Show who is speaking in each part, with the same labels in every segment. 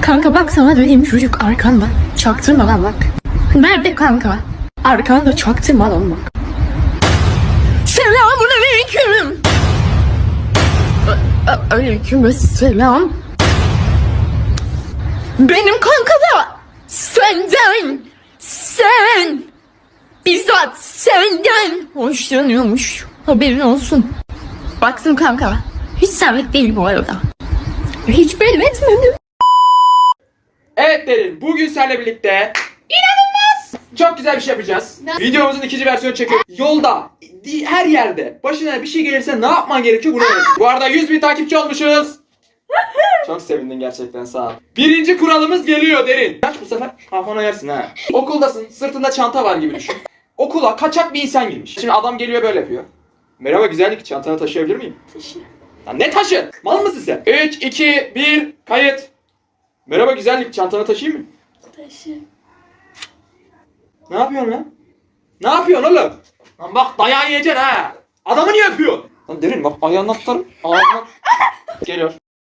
Speaker 1: Kanka bak sana dediğim çocuk arkanda. Çaktırma lan bak. Nerede kanka? Arkanda çaktırma lan bak. Selamünaleyküm. Aleyküm selam. Benim kanka da sen bizzat senden hoşlanıyormuş. Haberin olsun. Baksın kanka. Hiç sabit değil bu arada. Hiç belli etmedim.
Speaker 2: Evet Derin, bugün seninle birlikte çok güzel bir şey yapacağız. Videomuzun ikinci versiyonu çekiyoruz. Yolda, her yerde başına bir şey gelirse ne yapman gerekiyor bunu öğretin. Bu arada 100.000 takipçi olmuşuz. Çok sevindim gerçekten, sağ ol. Birinci kuralımız geliyor Derin. Kaç bu sefer kafana yersin ha. Okuldasın, sırtında çanta var gibi düşün. Okula kaçak bir insan girmiş. Şimdi adam geliyor böyle yapıyor. Merhaba güzellik, çantanı taşıyabilir miyim?
Speaker 1: Taşı.
Speaker 2: Lan ne taşı? Mal mısın sen? 3, 2, 1, kayıt. Merhaba güzellik, çantanı taşıyayım mı?
Speaker 1: Taşı.
Speaker 2: Ne yapıyorsun lan? Ne yapıyorsun oğlum? Lan bak dayağı yiyeceksin ha. Adamı niye öpüyorsun? Lan Derin bak ayağını tutarım. Ağzına... Geliyor.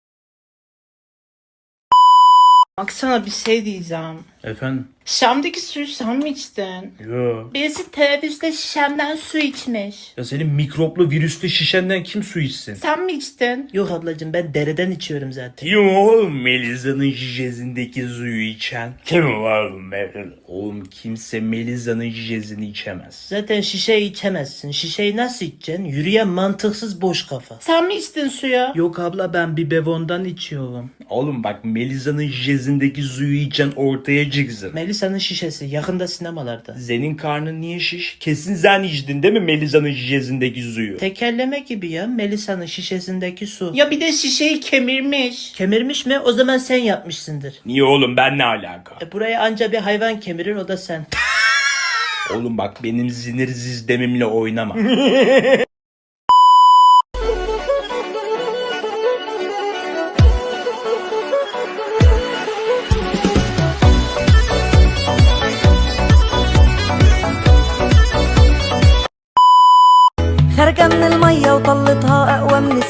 Speaker 3: Bak sana bir şey diyeceğim.
Speaker 4: Efendim?
Speaker 3: Şam'daki suyu sen mi içtin?
Speaker 4: Yo.
Speaker 3: Birisi teneffüste şişemden su içmiş.
Speaker 4: Ya senin mikroplu virüslü şişenden kim su içsin?
Speaker 3: Sen mi içtin? Yok ablacığım ben dereden içiyorum zaten.
Speaker 4: Kim oğlum Melisa'nın şişesindeki suyu içen? Kim oğlum Melisa'nın? Oğlum kimse Melisa'nın şişesini içemez.
Speaker 3: Zaten şişeyi içemezsin. Şişeyi nasıl içeceksin? Yürüyen mantıksız boş kafa. Sen mi içtin suya? Yok abla ben bir bevondan içiyorum.
Speaker 4: Oğlum bak Melisa'nın şişesindeki suyu içen ortaya çıksın.
Speaker 3: Melisa'nın şişesi yakında sinemalarda.
Speaker 4: Senin karnın niye şiş? Kesin sen içtin değil mi Melisa'nın şişesindeki suyu?
Speaker 3: Tekerleme gibi ya Melisa'nın şişesindeki su. Ya bir de şişeyi kemirmiş. Kemirmiş mi? O zaman sen yapmışsındır.
Speaker 4: Niye oğlum ben ne alaka?
Speaker 3: Buraya anca bir hayvan kemirir o da sen.
Speaker 4: Oğlum bak benim sinir sistemimle oynama.
Speaker 5: خارجة من المية وطلتها أقوى من